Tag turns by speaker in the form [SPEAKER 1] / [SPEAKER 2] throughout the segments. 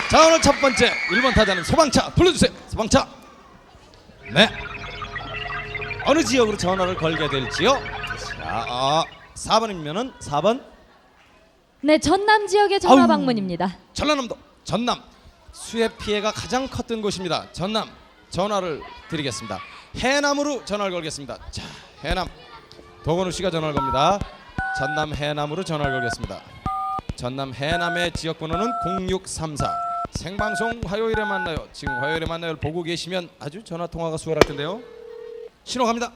[SPEAKER 1] 자, 오늘 첫 번째 1번 타자는 소방차 불러주세요. 소방차. 네. 어느 지역으로 전화를 걸게 될지요? 자, 4번이면은 4번.
[SPEAKER 2] 네, 전남 지역의 전화
[SPEAKER 1] 아우.
[SPEAKER 2] 방문입니다.
[SPEAKER 1] 전라남도 전남 수해 피해가 가장 컸던 곳입니다. 전남 전화를 드리겠습니다. 해남으로 전화를 걸겠습니다. 자, 해남 도건우 씨가 전화를 겁니다. 전남 해남으로 전화를 걸겠습니다. 전남 해남의 지역 번호는 0634. 생방송 화요일에 만나요. 지금 화요일에 만나요를 보고 계시면 아주 전화 통화가 수월할 텐데요. 신호 갑니다.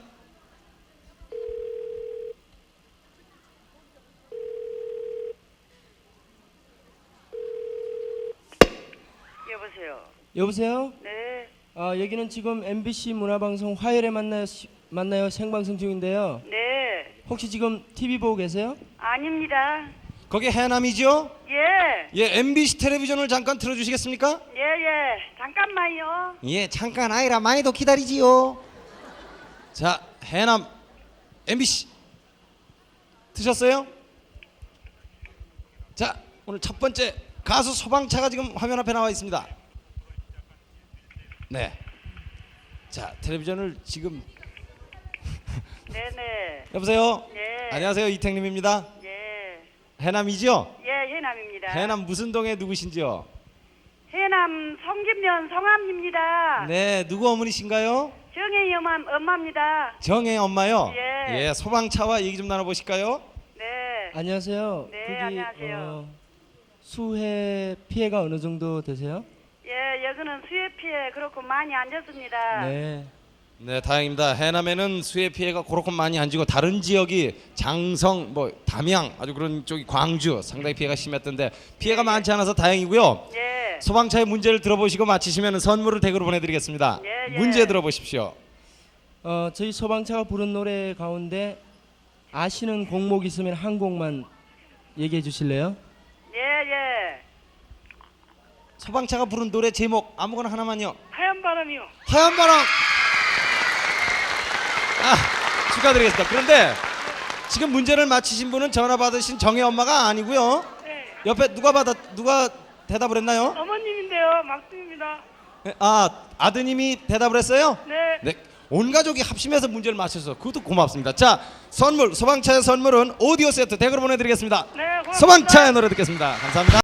[SPEAKER 3] 여보세요.
[SPEAKER 4] 여보세요?
[SPEAKER 3] 네,
[SPEAKER 4] 여기는 지금 MBC 문화방송 화요일에 만나요 생방송 중인데요.
[SPEAKER 3] 네.
[SPEAKER 4] 혹시 지금 TV 보고 계세요?
[SPEAKER 3] 아닙니다.
[SPEAKER 1] 거기 해남이죠?
[SPEAKER 3] 예,
[SPEAKER 1] 예, MBC 텔레비전을 잠깐 틀어주시겠습니까?
[SPEAKER 3] 예. 잠깐만요.
[SPEAKER 1] 예, 잠깐 아이라 많이도 기다리지요. 자, 해남 MBC 드셨어요? 자, 오늘 첫 번째 가수 소방차가 지금 화면 앞에 나와 있습니다. 네. 자, 텔레비전을 지금
[SPEAKER 3] 네네.
[SPEAKER 1] 여보세요.
[SPEAKER 3] 예.
[SPEAKER 1] 안녕하세요, 이택님입니다.
[SPEAKER 3] 예,
[SPEAKER 1] 해남이죠?
[SPEAKER 3] 예, 해남입니다.
[SPEAKER 1] 해남 무슨 동에 누구신지요?
[SPEAKER 3] 해남 성김면 성함입니다.
[SPEAKER 1] 네, 누구 어머니신가요?
[SPEAKER 3] 정혜희 엄마입니다.
[SPEAKER 1] 정혜 엄마요.
[SPEAKER 3] 예.
[SPEAKER 1] 소방차와 얘기 좀 나눠보실까요?
[SPEAKER 3] 네.
[SPEAKER 4] 안녕하세요.
[SPEAKER 3] 네, 안녕하세요.
[SPEAKER 4] 수해 피해가 어느 정도 되세요?
[SPEAKER 3] 예, 여기는 수해 피해 그렇고 많이 안 졌습니다.
[SPEAKER 4] 네.
[SPEAKER 1] 네, 다행입니다. 해남에는 수해 피해가 그렇게 많이 안 지고 다른 지역이 장성, 담양, 아주 그런 쪽이 광주 상당히 피해가 심했던데 피해가 많지 않아서 다행이고요.
[SPEAKER 3] 예.
[SPEAKER 1] 소방차의 문제를 들어보시고 맞히시면 선물을 댁으로 보내드리겠습니다.
[SPEAKER 3] 예.
[SPEAKER 1] 문제 들어보십시오.
[SPEAKER 4] 저희 소방차가 부른 노래 가운데 아시는 곡목 있으면 한 곡만 얘기해 주실래요?
[SPEAKER 3] 예.
[SPEAKER 1] 소방차가 부른 노래 제목 아무거나 하나만요.
[SPEAKER 3] 하얀 바람이요.
[SPEAKER 1] 하얀 바람. 축하드리겠습니다. 그런데 지금 문제를 맞히신 분은 전화 받으신 정혜 엄마가 아니고요.
[SPEAKER 3] 네.
[SPEAKER 1] 옆에 누가 대답을 했나요?
[SPEAKER 3] 어머님인데요, 막둥입니다.
[SPEAKER 1] 아드님이 대답을 했어요?
[SPEAKER 3] 네.
[SPEAKER 1] 네. 온 가족이 합심해서 문제를 맞춰서 그것도 고맙습니다. 자, 선물 소방차의 선물은 오디오 세트 댁으로 보내드리겠습니다.
[SPEAKER 3] 네, 고맙습니다.
[SPEAKER 1] 소방차의 노래 듣겠습니다. 감사합니다.